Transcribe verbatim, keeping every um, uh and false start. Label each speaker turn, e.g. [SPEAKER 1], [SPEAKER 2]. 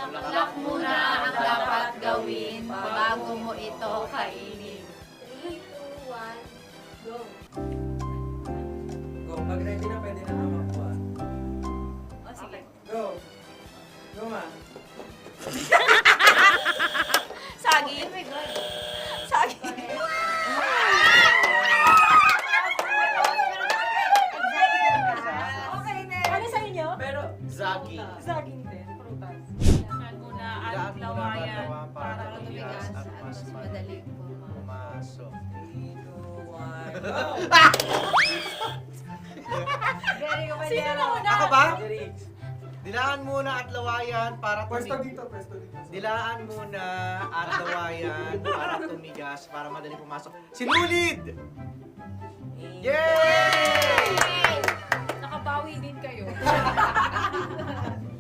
[SPEAKER 1] Bulaklak muna ang dapat gawin bago mo ito kainin.
[SPEAKER 2] three, two, one, go!
[SPEAKER 3] Go, pag ready na, pwede na naman po ah.
[SPEAKER 1] O sige.
[SPEAKER 3] Go! Go ma!
[SPEAKER 1] Saging. Saging.
[SPEAKER 2] Okay na.
[SPEAKER 4] Ano sa inyo?
[SPEAKER 3] Pero,
[SPEAKER 5] Zagi.
[SPEAKER 4] Saging din, prutas.
[SPEAKER 1] Kailangan muna at
[SPEAKER 5] Ilaan mo na
[SPEAKER 1] lawayan
[SPEAKER 5] batawa
[SPEAKER 1] para
[SPEAKER 5] para
[SPEAKER 1] tumigas
[SPEAKER 5] tumigas
[SPEAKER 1] at
[SPEAKER 5] at
[SPEAKER 1] mas
[SPEAKER 5] mas
[SPEAKER 1] madali
[SPEAKER 5] Pumasok.
[SPEAKER 3] three, two, one, go!
[SPEAKER 2] Gary, ko pa
[SPEAKER 1] Sino
[SPEAKER 2] dyan.
[SPEAKER 1] na una?
[SPEAKER 5] Ako ba?
[SPEAKER 3] Jerry,
[SPEAKER 5] Dilaan muna at lawayan para
[SPEAKER 3] pwesto
[SPEAKER 5] tumigas.
[SPEAKER 3] dito, pwesto dito.
[SPEAKER 5] Dilaan muna at lawayan para tumigas, para madali pumasok. Sinulid! Yay!
[SPEAKER 1] Nakabawi din kayo.